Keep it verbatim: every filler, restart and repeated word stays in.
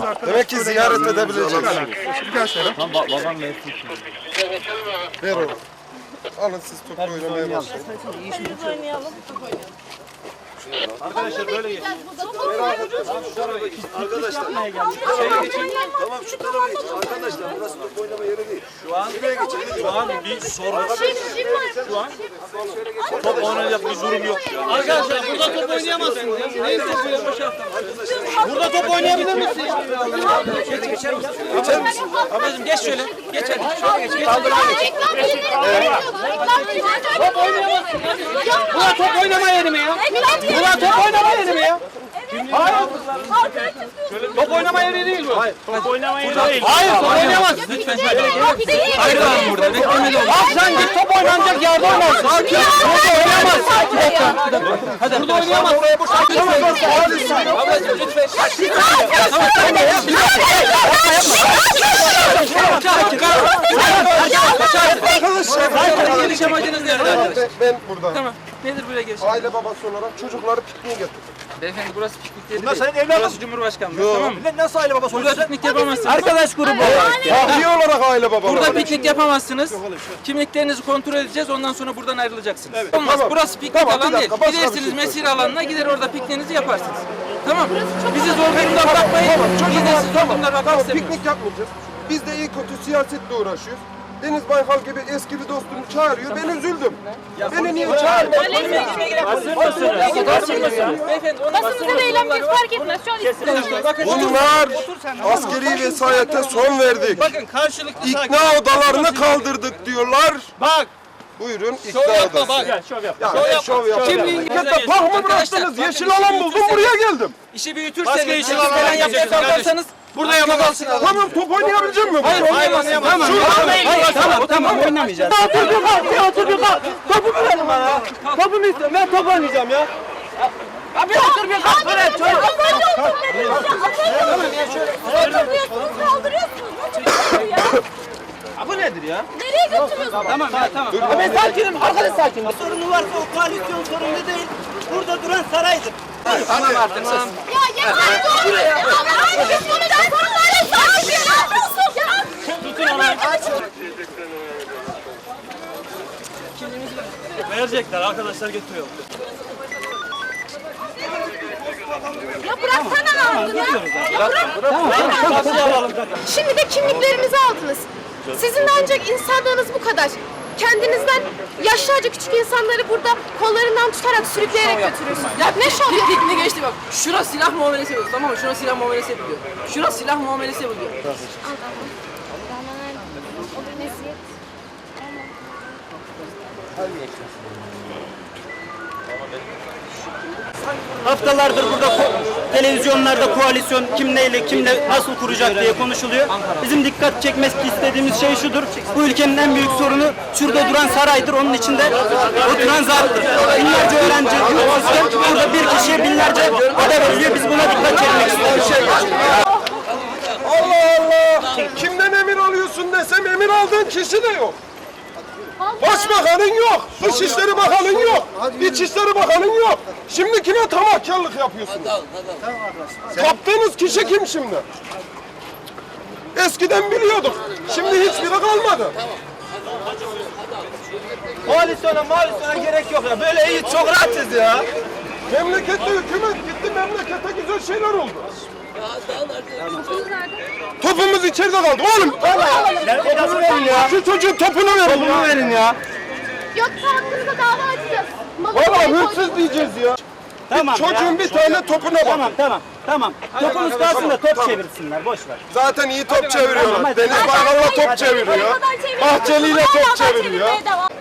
Demek ki ziyaret edebileceğiz. Tamam ba babam versin. Ver oğlum. Alın siz top oynamaya başlayın. Oynayalım. Arkadaşlar böyle geç. Arkadaşlar. Tamam şu tarafa geç. Arkadaşlar burası top oynama yeri değil. Şu an şu an bir sorun. Şu an top oynayacak bir durum yok. Arkadaşlar burada top oynayamazsınız. Neyse bu yapacağız. Burada top oynayabilir misiniz? Geçer misin? Ablacığım geç şöyle. Geç hadi. Şöyle geç. Top oynayamazsın. Burada top oynama yeri mi ya? Burada top oynama yeri mi ya? Hayır. Top oynama yeri değil bu. Hayır. Top oynama yeri değil. Hayır, top oynayamazsın. Lütfen şöyle gelir. Hayır abi burada. Beklemeli olun. Abi sen git top oynanacak yerde oynarsın. Sakin. Burada oynayamazsın. Hadi burada oynayamazsın. Oraya boş açamazsın. Ablacığım lütfen. Tamam tamam. Arkadaşlar. Geliş amacınız nedir arkadaşlar? Ben burada. Tamam. Nedir buraya geliş? Aile babası olarak çocukları pikniğe getirdim. Beyefendi burası piknik yeri Bunlar değil. senin evladın. Burası Cumhurbaşkanlığı. Yok. Tamam mı? Millet nasıl aile babası Burada oluyor? piknik yapamazsınız. Arkadaş grubu olarak. Tahliye olarak aile baba Burada olarak. piknik yapamazsınız. Kimliklerinizi kontrol edeceğiz. Ondan sonra buradan ayrılacaksınız. Olmaz. Tamam. Burası piknik Tamam, bir alanı değil. dakika, başka bir Gidersiniz şey mesire alanına, gider orada pikniğinizi yaparsınız. Tamam mı? Bizi zor durumda bırakmayın. Biz de sizi zor durumda bırakmak Tamam, istemiyoruz. piknik yapmayacağız. Biz de iyi kötü siyasetle uğraşıyoruz. Deniz Baykal gibi eski bir dostumu çağırıyor. Ben üzüldüm. Beni niye çağırmadın? Beyefendi onu Basınızda da eğlenmeyiz fark etmez. Şu an istiyoruz. Bakın Bunlar askeri vesayete son verdik. bakın karşılıklı İkna odalarını kaldırdık diyorlar. Bak. Buyurun ikna Şov yapma odası. bak. Ya ne şov yapma. Kimliğin Memlekette park mı bıraktınız? Yeşil alan buldum buraya geldim. İşi büyütürseniz, yeşil falan yapmaya kalkarsanız burada yapamazsınız. Tamam top oynayabilecek miyim? Hayır, oynayamazsın. Tamam, hayır, tamam, tamam, oynamayacağız. Otur bir kalk, bir otur bir kalk. Topu verin bana. Topumu istiyorum. Ben top oynayacağım ya. Ya bir otur bir kalk. Böyle çocuk. Kaldırıyorsunuz, kaldırıyorsunuz. Nasıl ya? Bu nedir ya? Nereye götürüyorsunuz? Tamam ya, tamam. Ben sakinim. Arkadaş sakin. Sorunu varsa o koalisyon sorunu değil. Burada duran saraydır. Tamam artık sus. Ya yeter dur. Buraya. Hayır biz bunu da sorunları sahibi. Ne yapıyorsun ya? Tutun onu. Verecekler. Arkadaşlar getiriyor. Ya bıraksana ağzını ya. Ya bırak. Şimdi de kimliklerimizi aldınız. Sizin de ancak insanlığınız bu kadar. Kendinizden yaşlıca küçük insanları burada kollarından tutarak sürükleyerek götürüyorsunuz. Ya ne şov ya? Pikniğe geçti bak. Şura silah muamelesi yapıyor, tamam mı? Şura silah muamelesi yapıyor. Şura silah muamelesi yapıyor. Haftalardır burada ko- televizyonlarda koalisyon kim neyle kimle nasıl kuracak diye konuşuluyor. Bizim dikkat çekmek istediğimiz şey şudur. Bu ülkenin en büyük sorunu şurada duran saraydır. Onun içinde oturan zarttır. Binlerce öğrenci yok sistem. Burada bir kişiye binlerce ada veriliyor. Biz buna dikkat çekmek istiyoruz. Allah Allah! Kimden emir alıyorsun desem emir aldığın kişi de yok. Başbakanın yok, Dışişleri Bakanın yok, İçişleri Bakanın yok. Şimdi kime tamahkarlık yapıyorsunuz? Kaptığınız kişi kim şimdi? Eskiden biliyorduk, şimdi hiçbiri kalmadı. Koalisyona malisyona gerek yok ya. Böyle iyi çok rahatız ya. Memlekette hükümet gitti, memlekette güzel şeyler oldu. Topumuz içeride kaldı oğlum. Topumu verin ya. Şu çocuğun topunu verin Topumu ya. verin ya. Yoksa hakkınızda dava açacağız. Valla hırsız diyeceğiz ya. Tamam Çocuğun ya. bir tane topuna bak. Tamam tamam tamam. Topumuz kalsın da top çevirsinler. Boş ver. Zaten iyi top Tamam, çeviriyorlar. hadi. Deniz Baykal'la top Hadi. çeviriyor. Hadi. Bahçeli'yle Hadi. top Hadi. çeviriyor. Hadi.